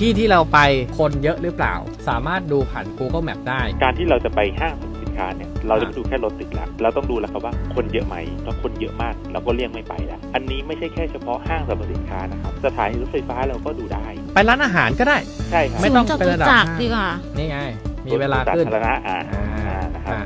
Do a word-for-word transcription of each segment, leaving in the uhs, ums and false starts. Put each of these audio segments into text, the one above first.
ที่ที่เราไปคนเยอะหรือเปล่าสามารถดูผ่าน Google Map ได้การที่เราจะไปห้างสรรพสินค้าเนี่ยเราจะไม่ดูแค่รถติดแล้วเราต้องดูแล้วครับว่าคนเยอะไหมถ้าคนเยอะมากเราก็เลี่ยงไม่ไปแล้วอันนี้ไม่ใช่แค่เฉพาะห้างสรรพสินค้านะครับสถานีรถไฟฟ้าเราก็ดูได้ไปร้านอาหารก็ได้ใช่ครับไม่ต้องเป็นระดับห้างดีกว่านี่ไงมีเวลาขึ้นสาธารณะอ่านะครับ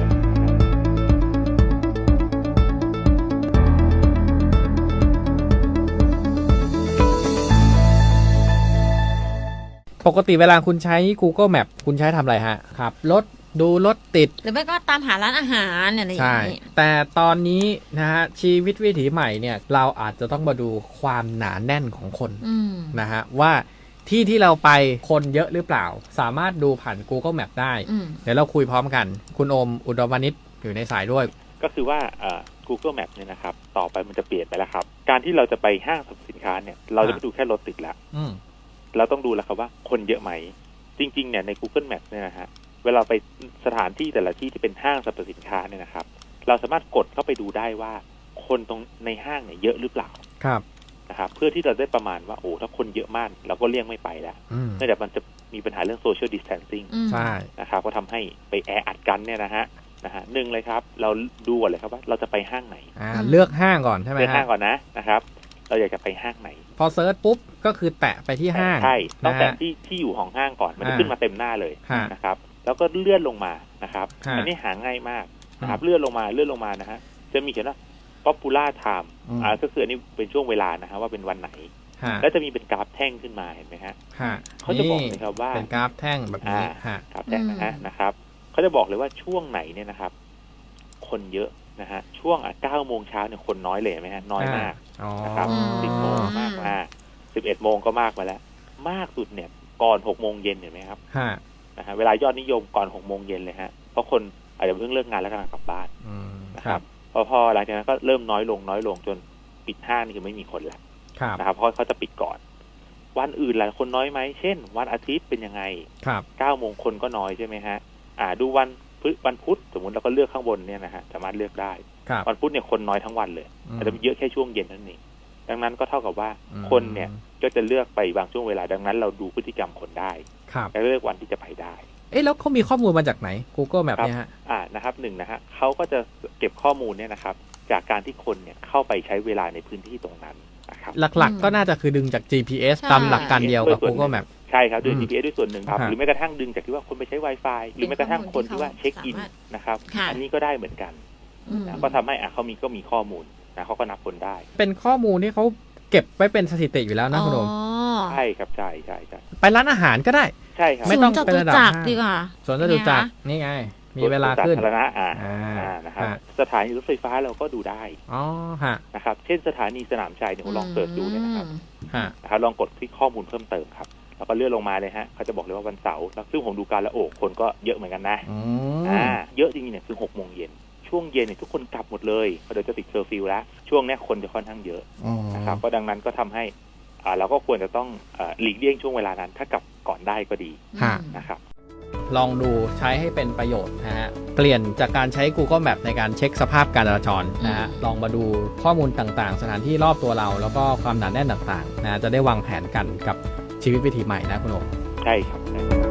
ปกติเวลาคุณใช้ Google Map คุณใช้ทำอะไรฮะขับรถดูรถติดหรือไม่ก็ตามหาร้านอาหารอะไรอย่างนี้ใช่แต่ตอนนี้นะฮะชีวิตวิถีใหม่เนี่ยเราอาจจะต้องมาดูความหนาแน่นของคนนะฮะว่าที่ที่เราไปคนเยอะหรือเปล่าสามารถดูผ่าน Google Map ได้เดี๋ยวเราคุยพร้อมกันคุณโอมอุดมวณิชอยู่ในสายด้วยก็คือว่า Google Map เนี่ยนะครับต่อไปมันจะเปลี่ยนไปแล้วครับการที่เราจะไปห้างสรรพสินค้าเนี่ยเราจะไม่ดูแค่รถติดแล้วเราต้องดูแล้วครับว่าคนเยอะไหมจริงๆเนี่ยใน Google Map เนี่ยนะฮะเวลาไปสถานที่แต่ละที่ที่เป็นห้างสรรพสินค้าเนี่ยนะครับเราสามารถกดเข้าไปดูได้ว่าคนตรงในห้างเนี่ยเยอะหรือเปล่าครับนะครับเพื่อที่เราได้ประมาณว่าโอ้ถ้าคนเยอะมากเราก็เลี่ยงไม่ไปแล้วเนื่องจากมันจะมีปัญหาเรื่อง social distancing ใช่นะครับก็ทำให้ไปแออัดกันเนี่ยนะฮะนะฮะหนึ่งเลยครับเราดูก่อนเลยครับว่าเราจะไปห้างไหนอ่าเลือกห้างก่อนใช่ไหมเลือกห้างก่อนนะนะครับเราอยากจะไปห้างไหนพอเซิร์ชปุ๊บก็คือแตะไปที่ห้างใช่ต้องแตะที่ที่อยู่ของห้างก่อนมันจะขึ้นมาเต็มหน้าเลยนะครับแล้วก็เลื่อนลงมานะครับอันนี้หาง่ายมากนะครับเลื่อนลงมาเลื่อนลงมานะฮะจะมีเขียนว่า popular time อ่าก็คืออันนี้เป็นช่วงเวลานะฮะว่าเป็นวันไหนแล้วจะมีเป็นกราฟแท่งขึ้นมาเห็นไหมฮะเขาจะบอกเลยครับว่าเป็นกราฟแท่งแบบนี้กราฟแท่งนะฮะนะครับเขาจะบอกเลยว่าช่วงไหนเนี่ยนะครับคนเยอะนะฮะช่วงอ่ะเก้าโมงเช้าเนี่ยคนน้อยเลยไหมฮะน้อยมากนะครับสิบโมงมากมาสิบเอ็ดโมงก็มากไปแล้วมากสุดเนี่ยก่อนหกโมงเย็นเห็นไหมครับนะฮะเวลายอดนิยมก่อนหกโมงเย็นเลยฮะเพราะคนอาจจะเพิ่งเลิกงานแล้วกำลังกลับบ้านนะครับพอพอหลังจากนั้นก็เริ่มน้อยลงน้อยลงจนปิดห้างนี่คือไม่มีคนแล้วนะครับเพราะเขาจะปิดก่อนวันอื่นหลายคนน้อยไหมเช่นวันอาทิตย์เป็นยังไงเก้าโมงคนก็น้อยใช่ไหมฮะอ่าดูวันวันพุธสมมติเราก็เลือกข้างบนเนี่ยนะฮะสามารถเลือกได้วันพุธเนี่ยคนน้อยทั้งวันเลยอาจจะมีเยอะแค่ช่วงเย็นนั่นเองดังนั้นก็เท่ากับว่าคนเนี่ยก็จะเลือกไปบางช่วงเวลาดังนั้นเราดูพฤติกรรมคนได้และเลือกวันที่จะไปได้เอ๊ะแล้วเขามีข้อมูลมาจากไหน Google Map เนี่ยฮะอ่านะครับหนึ่งนะฮะเขาก็จะเก็บข้อมูลเนี่ยนะครับจากการที่คนเนี่ยเข้าไปใช้เวลาในพื้นที่ตรงนั้นนะครับหลักๆก็น่าจะคือดึงจาก จี พี เอส ตามหลักการเดียวกับ Google Map ใช่ครับโดย จี พี เอส ด้วยส่วนหนึ่งครับหรือแม้กระทั่งดึงจากที่ว่าคนไปใช้ Wi-Fi หรือแม้กระทั่งคนที่ว่าเช็คอินนะครับอันนี้ก็ได้เหมือนกันนะก็ทำให้อ่ะเขามีก็มีข้อมูลนะเขาก็นับคนได้เป็นข้อมูลที่เขาเก็บไว้เป็นสถิติอยู่แล้วนะคุณโอมใช่ครับใช่ใช่ใช่ไปร้านอาหารก็ได้ใช่ครับไม่ต้องเป็นระดับห้างดีกว่าสวนจตุจักรนี่ไงมีเวลาขึ้นสาธารณะอ่านะครับสถานีรถไฟฟ้าเราก็ดูได้อ๋อฮะนะครับเช่นสถานีสนามชัยเนี่ยลองเสิร์ชดูเนี่ยนะครับนะครับลองกดคลิกข้อมูลเพิ่มเติมครับแล้วก็เลื่อนลงมาเลยฮะเขาจะบอกเลยว่าวันเสาร์ซึ่งผมดูการละโอกคนก็เยอะเหมือนกันนะอ่าเยอะจริงๆเนี่ยคือหกโมงเย็นช่วงเย็นเนี่ยทุกคนกลับหมดเลยเพราะเดี๋ยวจะติดเคอร์ฟิวแล้วช่วงนี้คนจะค่อนข้างเยอะนะครับก็ดังนั้นก็ทำให้อ่าเราก็ควรจะต้องหลีกเลี่ยงช่วงเวลานั้นถ้ากลับก่อนได้ก็ดีนะครับลองดูใช้ให้เป็นประโยชน์นะฮะเปลี่ยนจากการใช้ Google Map ในการเช็คสภาพการจราจรนะฮะลองมาดูข้อมูลต่างๆสถานที่รอบตัวเราแล้วก็ความหนาแน่นต่างๆนะจะได้วางแผนกันกับชีวิตวิถีใหม่นะคุณโอใช่ครับ